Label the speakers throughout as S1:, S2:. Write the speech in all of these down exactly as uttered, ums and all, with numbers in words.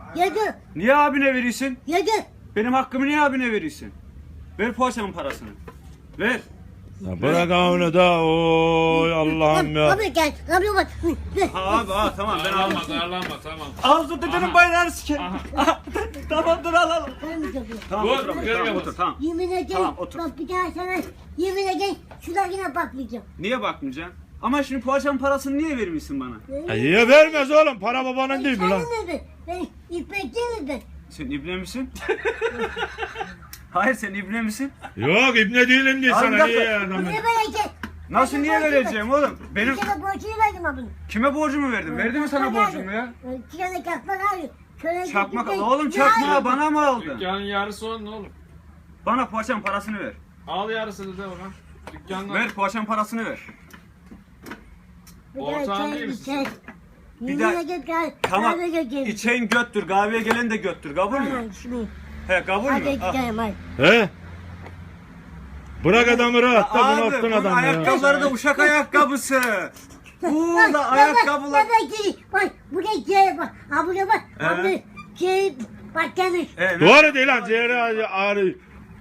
S1: Yedi.
S2: Niye abine veriyorsun?
S1: Yedi.
S2: Benim hakkımı niye abine veriyorsun? Ver poğaçanın parasını. Ver.
S3: Ya bırak onu da oy Allah'ım ya.
S1: Abi gel. Abi bak.
S2: Ha abi ha tamam ben
S4: Darlanma,
S2: aldım.
S4: darlanma, tamam.
S2: Ağzı dedenin bayrağını sikerim. Tamam dur al al.
S1: Ben mi yapıyorum?
S2: Tamam
S4: Dur,
S2: otur,
S4: görmüyor
S2: tamam,
S4: musun?
S2: otur tamam.
S1: Yemin ederim.
S2: Tamam, otur.
S1: Bak bir daha sana yemin ederim şuna yine bakmayacağım.
S2: Niye bakmayacaksın? Ama şimdi poğaçanın parasını niye vermişsin bana?
S3: Ya niye vermez oğlum? Para babanın değil mi lan?
S1: Sen mi? Ben ipek değil mi?
S2: Sen ibne misin? Hayır sen ibne misin?
S3: Yok ibne değilim diye
S2: Abi
S3: sana
S2: bir dakika.
S3: niye ya adamı?
S1: Niye böyle
S2: Nasıl niye vereceğim oğlum? Benim
S1: Bir kere borcunu verdim abi.
S2: kime borcumu verdim? Verdi mi sana borcumu ya?
S1: İki tane çakmak abi. Şöyle
S2: Çakmak
S1: bir-
S2: oğlum
S1: Ya
S2: çakmağı
S1: abi.
S2: bana mı aldın?
S4: Dükkanın yarısı onun oğlum.
S2: Bana poğaçanın parasını ver.
S4: Al yarısını da ona. Dükkanın
S2: Ver poğaçanın parasını ver.
S1: Bir
S4: Ortağın
S1: daha
S4: değil
S1: çay
S4: misin?
S1: içer.
S2: Bir
S1: Yemin
S2: daha-
S1: ederim gel.
S2: Tamam.
S1: Kahve götürün.
S2: İçeyin göttür. Kahveye gelen de göttür. Kabul mü?
S1: Tamam şimdi.
S2: He kabul
S1: Hadi
S2: mü? Ah.
S1: gidelim hadi.
S3: He? Bırak adamı rahat da
S2: Abi
S3: bunalttın
S2: bunun
S3: adamı ya.
S2: ayakkabıları da uşak ayakkabısı. Burada ayakkabılar.
S1: Bak bak gel. Bak buraya gel bak. Ha buraya bak.
S2: Ee?
S1: Abi gel. Bak gelmiş.
S2: Evet.
S3: Doğru değil lan ciğeri ağrıyor.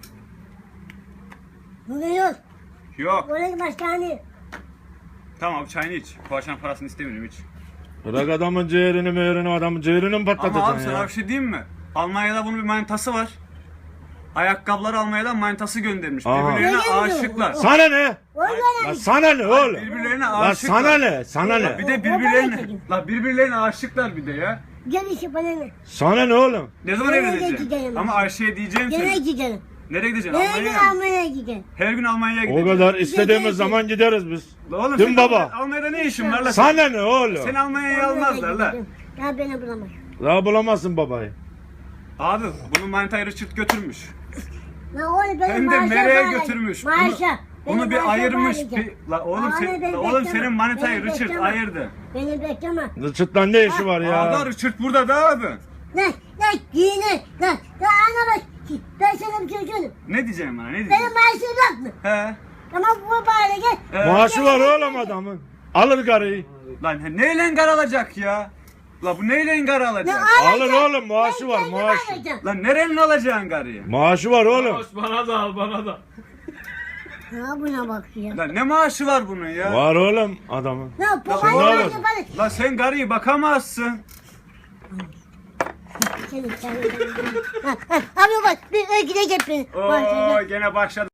S1: Buraya yok.
S2: Yok.
S1: Oraya başkanı.
S2: Tamam çayını iç. Poğaçanın parasını istemiyorum iç.
S3: Bırak adamın ciğerini meğerini adamın ciğerini mi
S2: Ama abi
S3: patlatacaksın
S2: sana
S3: ya?
S2: bir şey diyeyim mi? Almanya'da bunun bir manitası var. Ayakkabıları Almanya'dan manitası göndermiş.
S3: Aha.
S2: Birbirlerine
S1: Öyle mi?
S2: aşıklar.
S3: Sana ne?
S1: Oraya
S3: La sana ne oğlum?
S2: Birbirlerine
S3: La
S2: aşıklar.
S3: sana ne? Sana ne?
S2: Bir de
S1: O- o
S2: birbirlerine,
S1: böyle
S2: la birbirlerine aşıklar bir de ya.
S1: Gel işi bana ne?
S3: Sana ne oğlum?
S2: Ne zaman
S1: Nereye
S2: evleneceksin?
S1: gideceğim?
S2: Ama Ayşe'ye diyeceğim
S1: Gene
S2: seni.
S1: gidelim.
S2: Nereye gideceksin?
S1: Nereye
S2: Almanya'ya mı?
S1: Almanya'ya gidelim.
S2: Her gün Almanya'ya
S3: O
S2: gideceksin.
S3: kadar istediğimiz zaman gideriz biz.
S2: La oğlum
S3: Değil mi
S2: senin
S3: baba?
S2: Almanya'da ne işin var la?
S3: Sana ne oğlum?
S2: Seni Almanya'ya almazlar la.
S1: Ya beni bulamaz.
S3: Daha bulamazsın babayı.
S2: Abi bunun manitayı Richard götürmüş.
S1: La oğlum benim
S2: Hem de
S1: maaşa
S2: nereye
S1: bağlı.
S2: götürmüş?
S1: Maaşa.
S2: Onu, onu
S1: Benim
S2: bir
S1: maaşa
S2: ayırmış.
S1: bağlayacağım.
S2: Bir, la oğlum,
S1: Ama
S2: sen,
S1: beni
S2: la oğlum
S1: bekleme.
S2: senin manitayı
S1: Beni
S2: Richard
S1: bekleme.
S2: ayırdı.
S1: Beni bekleme.
S3: Çıtlan ne işi var ya?
S2: Abi Richard burada da abi.
S1: Ne? Ne? Yine. Ne? Ya ana bak. Ben sana bir şey söyleyeyim.
S2: Ne diyeceğim bana? Ne
S1: Benim
S2: diyeceğim?
S1: maaşım yok mu?
S2: He.
S1: Ama bu bari gel.
S2: He.
S3: Maaşı var oğlum adamın. Alır karıyı.
S2: Lan he, neyle gar alacak ya? La bu neyle gar
S1: Ne
S2: alacak?
S3: Alır oğlum, maaşı var, maaşı.
S2: Lan nerenin alacaksın garıyı?
S3: Maaşı var oğlum.
S4: Hoş, bana da al, bana da.
S1: Ha buna bak ya.
S2: Lan ne maaşı var bunun ya?
S3: Var oğlum adamın.
S1: Ne bu
S2: Sen
S1: bana
S3: ne
S1: maaşı
S3: yapıyorsun?
S1: bana.
S2: Lan sen garıyı bakamazsın.
S1: Senin sen. Ha, ha, abi bak bir gidecek beni.
S2: Oo gene başladı.